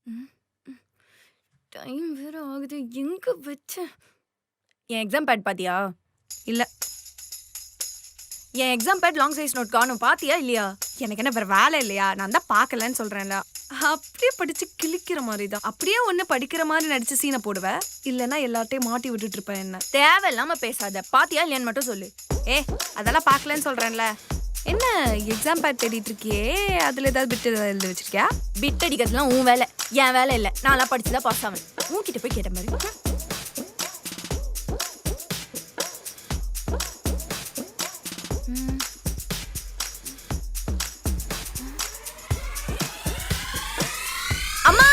Time வேற ஆகுது. எங்க வச்சேன்? என் எக்ஸாம் பேட் பாத்தியா? இல்ல. என் exam pad long size note காணும். பாத்தியா இல்லையா? எனக்கு என்ன வேற வேலை இல்லையா? நான் தான் பார்க்கலன்னு சொல்றேன்ல. அப்படியே படிச்சு கிழிக்கிற மாதிரி தான். அப்படியே ஒண்ணு படிக்கிற மாதிரி நடிச்சு சீனை போடுவேன். இல்லைன்னா எல்லாத்தையும் மாட்டி விட்டுட்டு இருப்பேன். என்ன தேவையில்லாம பேசாத. பாத்தியா இல்லையான்னு மட்டும் சொல்லு. அதெல்லாம் பார்க்கலன்னு சொல்றேன்ல. என்ன எக்ஸாம் பேட் தேடிட்டு இருக்கியே? அதுல ஏதாவது பிட் ஏதாவது எழுதி வச்சிருக்கியா? பிட் அடிக்கிறதுலாம் உன் வேலை, என் வேலை இல்லை. நான்லாம் படிச்சுதான் பாஸ் ஆவேன். உன்கிட்ட போய் கேட்ட மாதிரி. அம்மா!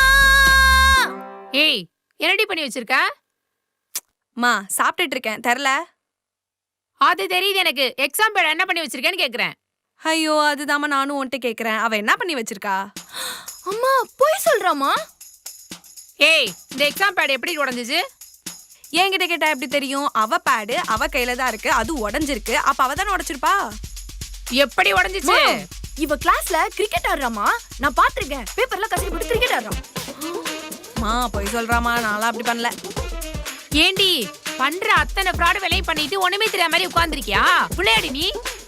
ஏய், என்னடி பண்ணி வச்சிருக்க? மா சாப்பிட்டுட்டு இருக்கேன். தெரியல. அது தெரியுது எனக்கு. எக்ஸாம் பேட் என்ன பண்ணி வச்சிருக்கேன்னு கேக்குறேன். ஐயோ, அதுதாம்மா நானும் உன்கிட்ட கேக்குறேன். அவ என்ன பண்ணி வச்சிருக்கா? அம்மா போய் சொல்றாமா? ஏய், இந்த எக்ஸாம் பேட் எப்படி உடைஞ்சிச்சு? என்கிட்ட கேட்டா எப்படி தெரியும்? அவ பேடு அவ கையில தான் இருக்கு. அது உடைஞ்சிருக்கு. அப்ப அவ தானே உடைச்சிருப்பா. எப்படி உடைஞ்சிச்சு? இவ கிளாஸ்ல கிரிக்கெட் ஆடுறாமா. நான் பாத்திருக்கேன். பேப்பர்ல கசக்கி போட்டு கிரிக்கெட் ஆடுறான். மா போய் சொல்றாமா. நான்லாம் அப்படி பண்ணல. ஏண்டி பண்ற அத்தனை ஃப்ராட் வேலையும் பண்ணிட்டு ஒண்ணுமே தெரியாத மாதிரி உட்கார்ந்திருக்கியா? புள்ளையாடி நீ?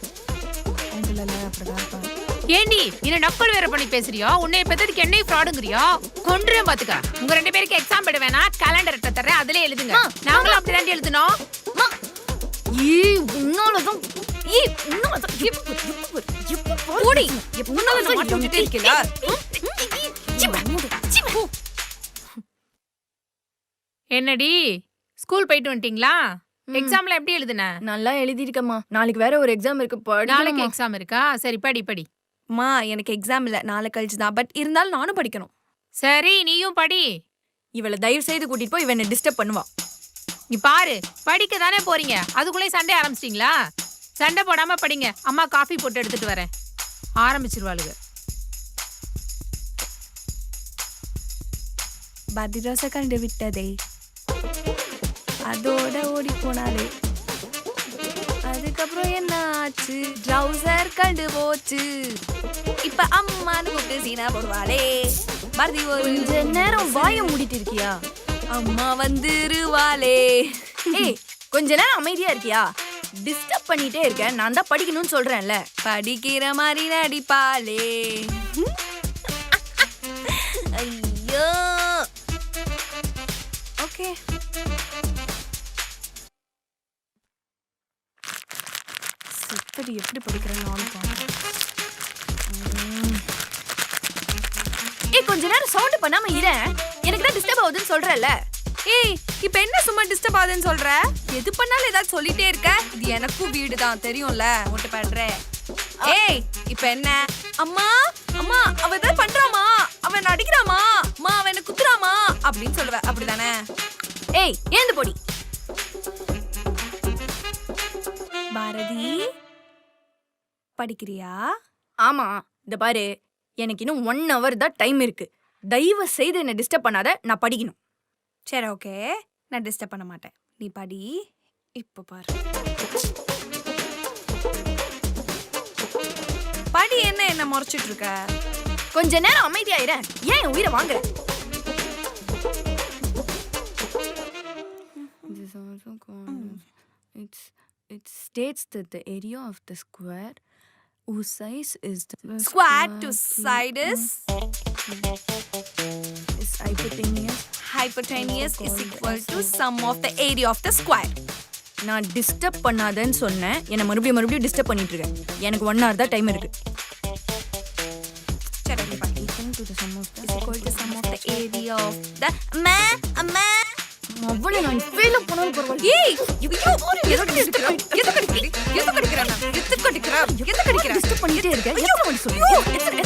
ஏண்டி என்ன நக்கல் வேற பண்ணி பேசுறியா? உன்னைய பெத்ததுக்கு என்னையும் ஃப்ராடுங்கறியா? கொன்றும் பாத்துக்க. உங்க ரெண்டு பேருக்கு எக்ஸாம் பேட் வேணா கேலண்டர் தரேன். அதுல எழுதுங்க. நாங்களும் அப்படிதான் எழுதணும். உன்னாலதான் என்னடி ஸ்கூல் போயிட்டு வந்துட்டீங்களா? எக்ஸாம்ல எப்படி எழுதுன? நல்லா எழுதிருக்கம்மா. நாளைக்கு வேற ஒரு எக்ஸாம் இருக்கு. நாளைக்கு எக்ஸாம் இருக்கா? சரி படி படி. மா எனக்கு எக்ஸாம் இல்ல, நாளை கழிச்சு தான். பட் இருந்தாலும் நானும் படிக்கணும். சரி நீயும் படி. இவளை தயவு செய்து கூட்டிட்டு போய் இவனை டிஸ்டர்ப் பண்ணுவா. நீ பாரு, படிக்க தானே போறீங்க, அதுக்குள்ளே சண்டை ஆரம்பிச்சிட்டீங்களா? சண்டை போடாம படிங்க. அம்மா காஃபி போட்டு எடுத்துட்டு வரேன். ஆரம்பிச்சிருவாளுங்க. பதிராச கண்டு விட்டதே, அதோட ஓடி போனாலே. அதுக்கப்புறம் என்ன ஆச்சு? ட்ரௌசர் கண்டு போச்சு. இப்ப அம்மான்னு கூப்பிட்டு சீனா போடுவாளே. பாரதி ஒரு கொஞ்ச நேரம் வாய மூடிட்டு இருக்கியா? அம்மா வந்துருவாளே. ஏய், கொஞ்ச நேரம் அமைதியா இருக்கியா? டிஸ்டர்ப் பண்ணிட்டே இருக்க. நான் தான் படிக்கணும்னு சொல்றேன்ல. படிக்கிற மாதிரி நடிப்பாளே. ஐயோ. ஓகே. செப்படி எப்படி படிக்கிறேன்னு நானும் பாருங்க. ஏய், கொஞ்ச நேரம் சவுண்ட் பண்ணாம இரு. எனக்கு தான் டிஸ்டர்ப் ஆகுதுன்னு சொல்றேன்ல. ஏய், இப்ப என்ன சும்மா டிஸ்டர்ப் ஆகுதுன்னு சொல்ற? எது பண்ணாலும் ஏதாவது சொல்லிட்டே இருக்க. இது எனக்கும் வீடு தான் தெரியும்ல. ஓட்டு பண்ற. ஏய், இப்ப என்ன? அம்மா அம்மா அவ ஏதாவது பண்றாமா? அவன் நடிக்கிறாமா? அம்மா அவன் என்ன குத்துறாமா அப்படின்னு சொல்லுவ. அப்படிதானே? ஏய், ஏந்து போடி. பாரதி படிக்கிறியா? ஆமா, இந்த பாரு, எனக்கு இன்னும் 1 hour தான் டைம் இருக்கு. தயவு செய்து என்ன டிஸ்டர்ப் பண்ணாத. நான் படிக்கணும். சரி ஓகே, நான் டிஸ்டர்ப் பண்ண மாட்டேன். நீ படி. இப்ப பாரு. படி. என்ன முறைச்சிட்டு இருக்க? கொஞ்ச நேரம் அமைதியா இரு. ஏன் என் உயிரை வாங்குற? It states that the area of the square whose size is the Square to side is hypotenuse is equal to sum of the area of the square. நான் டிஸ்டர்ப் பண்ணாதன்னு சொன்னேன். என்ன மறுபடியும் டிஸ்டர்ப் பண்ணிட்டு இருக்கேன். எனக்கு 1 hour தான் டைம் இருக்கு. சரி ஓகே படி. To the sum of the is equal to sum of the area of the அம்மா அவ்வளவு நான் ஃபெயில் பண்ணாலும் பரவாயில்லை. ஏய் எதுக்கு டிஸ்டர்ப் பண்ணிட்டே இருக்க? டிஸ்டர்ப் பண்ணிட்டே இருக்க.